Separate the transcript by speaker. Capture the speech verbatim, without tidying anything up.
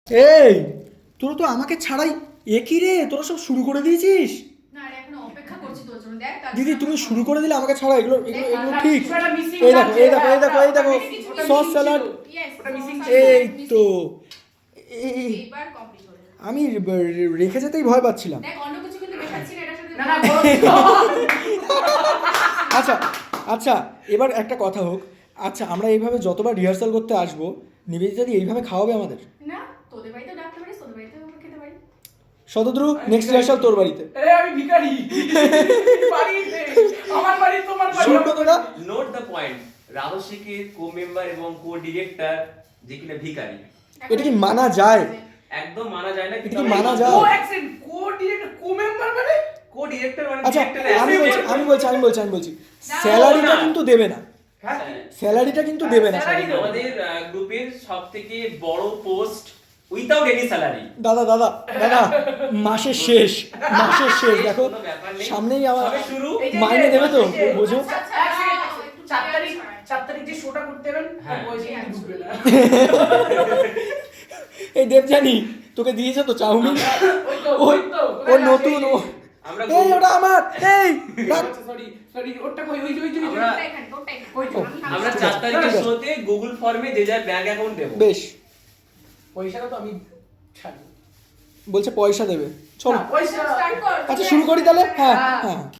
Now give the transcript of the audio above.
Speaker 1: এই তোরা তো আমাকে ছাড়াই একই রে, তোরা সব শুরু করে দিয়েছিস।
Speaker 2: না রে, এখনো অপেক্ষা করছি তোর জন্য। দেখ তার
Speaker 1: দিদি
Speaker 2: জন্য
Speaker 1: তুমি
Speaker 2: আমার
Speaker 1: শুরু করে দিলে আমাকে ছাড়া, এগুলো এগুলো এগুলো
Speaker 3: না,
Speaker 1: ঠিক।
Speaker 3: কিছু একটা missing
Speaker 1: এই দেখো
Speaker 3: আছে,
Speaker 1: এই দেখো এই
Speaker 3: হ্যাঁ,
Speaker 1: দেখো এই দেখো
Speaker 3: ওটা missing
Speaker 1: সস
Speaker 3: ছিল।
Speaker 1: স্যালাড।
Speaker 2: Yes,
Speaker 3: ওটা missing
Speaker 2: sauce
Speaker 3: ছিল।
Speaker 2: salad
Speaker 1: এই
Speaker 2: missing।
Speaker 1: তো এই
Speaker 2: এইবার কমপ্লিট হলো।
Speaker 1: আমি রে- রেখে যেতেই ভয় পাচ্ছিলাম।
Speaker 2: দেখ অন্য কিছু কিন্তু মেশাচ্ছি না, এটার সাথে
Speaker 3: না না বলো।
Speaker 1: আচ্ছা আচ্ছা এবার একটা কথা হোক, আচ্ছা আমরা এইভাবে যতবার রিহার্সাল করতে আসবো, নিবেদিতা দি এইভাবে খাওয়াবে আমাদের?
Speaker 2: না, তোদের বাড়িতেও ডাকতে পারিস, তোদের বাড়িতেও আমরা খেতে পারি।
Speaker 1: শতদ্রু নেক্সট রিহার্সাল তোর বাড়িতে।
Speaker 3: এ আমি ভিখারি বাড়িতে আমার বাড়ি তোমার বাড়ি
Speaker 1: শুনতো তোরা?
Speaker 4: নোট দ্য পয়েন্ট, রাজস্বীকের কো মেম্বার এবং কো ডিরেক্টর যে কিনা ভিখারি,
Speaker 1: এটা কি মানা যায়?
Speaker 4: একদম মানা যায় না।
Speaker 1: এটা কি মানা যায়?
Speaker 3: Co accent co director co member মানে
Speaker 4: কো ডিরেক্টর মানে
Speaker 1: আচ্ছা
Speaker 4: ডিরেক্টর
Speaker 1: আমি বলছি আমি বলছি আমি বলছি আমি বলছি
Speaker 2: না,
Speaker 1: স্যালারিটা
Speaker 4: না।
Speaker 1: কিন্তু দেবে না,
Speaker 3: হ্যাঁ
Speaker 1: স্যালারিটা কিন্তু দেবে না।
Speaker 3: স্যালারি দেবে।
Speaker 4: আমাদের গ্রুপের সবথেকে বড় পোস্ট উইদাউট এনি স্যালারি।
Speaker 1: দাদা দাদা দাদা মাসের শেষ, মাসের শেষ দেখো
Speaker 4: কোনো ব্যাপার নেই।
Speaker 1: সামনেই আমার
Speaker 4: সবে শুরু।
Speaker 3: এই যে-
Speaker 1: মাইনে দেবে তো,
Speaker 3: এই যে-
Speaker 1: বোঝো।
Speaker 2: আচ্ছা, আচ্ছা,
Speaker 3: এক সেকেন্ড,
Speaker 2: দাঁড়াও, একটু
Speaker 3: চার
Speaker 2: চেয়ার
Speaker 3: তারিখ
Speaker 2: ছাড়াই।
Speaker 3: চার তারিখ যে শোটা করতে যাবেন
Speaker 4: হ্যাঁ।
Speaker 3: ওই যে ঢুকবে না
Speaker 1: এই দেবজানি তোকে দিয়েছে তো চাউমিন,
Speaker 3: ওই তো
Speaker 1: ও
Speaker 3: ওই তো
Speaker 1: ও নতুন ও
Speaker 4: আমরা
Speaker 1: এই ওটা আমার এই রাখ।
Speaker 3: সরি সরি ওটা কই ওই যে ওই যে ওই যে।
Speaker 4: আমরা-
Speaker 2: ওটা এখানে, ওটা এখানে।
Speaker 3: ওই তো।
Speaker 2: আমি- আমি-
Speaker 4: আমরা
Speaker 1: ঠিক
Speaker 4: চার
Speaker 1: আছে,
Speaker 4: তারিখের
Speaker 1: ঠিক আছে।
Speaker 4: শোতে গুগল ফর্মে যে যার ব্যাংক অ্যাকাউন্ট দেবো।
Speaker 1: বেশ,
Speaker 3: পয়সাটা তো আমি ছাড়ি
Speaker 1: বলছে পয়সা দেবে, চলো
Speaker 3: না, পয়সা
Speaker 2: Start কর।
Speaker 1: আচ্ছা শুরু করি তাহলে। হ্যাঁ
Speaker 3: হ্যাঁ।
Speaker 1: হ্যাঁ